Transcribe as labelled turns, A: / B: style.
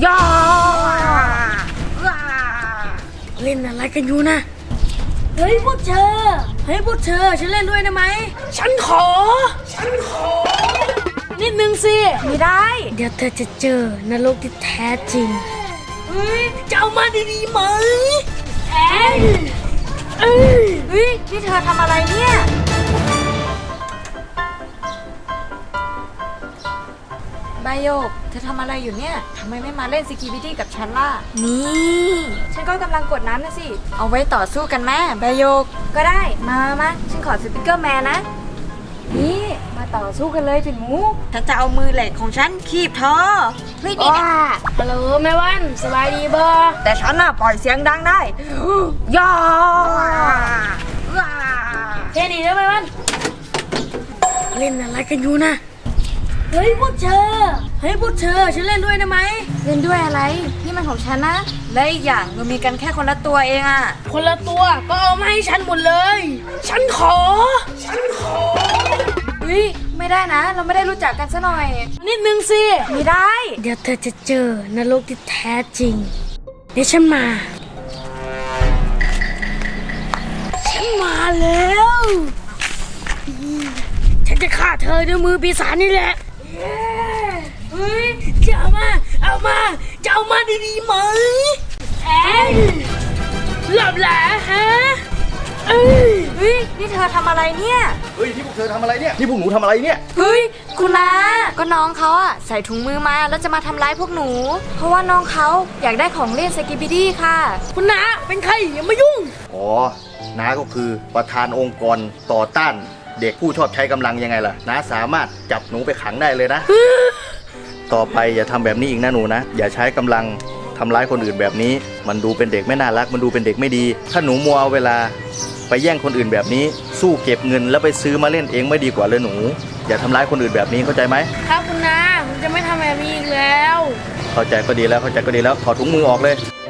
A: ย่าเล่นอะไรกันอยู่นะเฮ้ยพวกเธอฉันเล่นด้วยได้ไหมฉันขอนิดนึงสิไม่ได้เดี๋ยวเธอจะเจอนรกที่แท้จริงเฮ้ยจะเอามาดีๆไหมเฮ้ยนี่เธอทำอะไรเนี่ยใบโยกเธอทำอะไรอยู่เนี่ยทำไมไม่มาเล่นสกีบิดี้กับฉันล่ะนี่ฉันก็กำลังกดน้ำนะสิเอาไว้ต่อสู้กันแม่ใบโยกก็ได้มาฉันขอสปิเกอร์แมนนะนี่มาต่อสู้กันเลยปิ่นหมูฉันจะเอามือเหล็กของฉันคีบเธอเฮ้ยนี่นะฮัลโหลแม่วันสบายดีบ่แต่ฉันน่ะปล่อยเสียงดังได้ย่าแค่นี้นะแม่วันเล่นอะไรกันอยู่นะเฮ้ยพวกเธอฉันเล่นด้วยได้ไหมเล่นด้วยอะไรนี่มันของฉันนะและอีกอย่างเรามีกันแค่คนละตัวเองอะคนละตัวก็เอามาให้ฉันหมดเลยฉันขอเฮ้ยไม่ได้นะเราไม่ได้รู้จักกันซะหน่อยนิดนึงสิไม่ได้เดี๋ยวเธอจะเจอนรกที่แท้จริงเดี๋ยวฉันมาแล้วฉันจะฆ่าเธอด้วยมือปีศาจนี่แหละเฮ้ยจะเอามาดีๆไหมหลับแหละฮะเฮ้ยนี่เธอทำอะไรเนี่ย
B: เฮ้ยที่พวกเธอทำอะไรเนี่ยที่พวกหนูทำอะไรเนี่ย
A: เฮ้ยคุณนาก็น้องเขาอะใส่ถุงมือมาแล้วจะมาทำร้ายพวกหนูเพราะว่าน้องเขาอยากได้ของเล่นสกิบิดี้ค่ะคุณนาเป็นใครอย่ามายุ่ง
B: อ๋อน้าก็คือประธานองค์กรต่อต้านเด็กผู้ชอบใช้กำลังยังไงล่ะน้าสามารถจับหนูไปขังได้เลยนะต่อไปอย่าทำแบบนี้อีกนะหนูนะอย่าใช้กำลังทำร้ายคนอื่นแบบนี้มันดูเป็นเด็กไม่น่ารักมันดูเป็นเด็กไม่ดีถ้าหนูมัวเอาเวลาไปแย่งคนอื่นแบบนี้สู้เก็บเงินแล้วไปซื้อมาเล่นเองไม่ดีกว่าเลยหนูอย่าทำร้ายคนอื่นแบบนี้เข้าใจไหม
A: ครับคุณนาผมจะไม่ทำแบบนี้อีกแล้ว
B: เข้าใจก็ดีแล้วถอดถุงมือออกเลย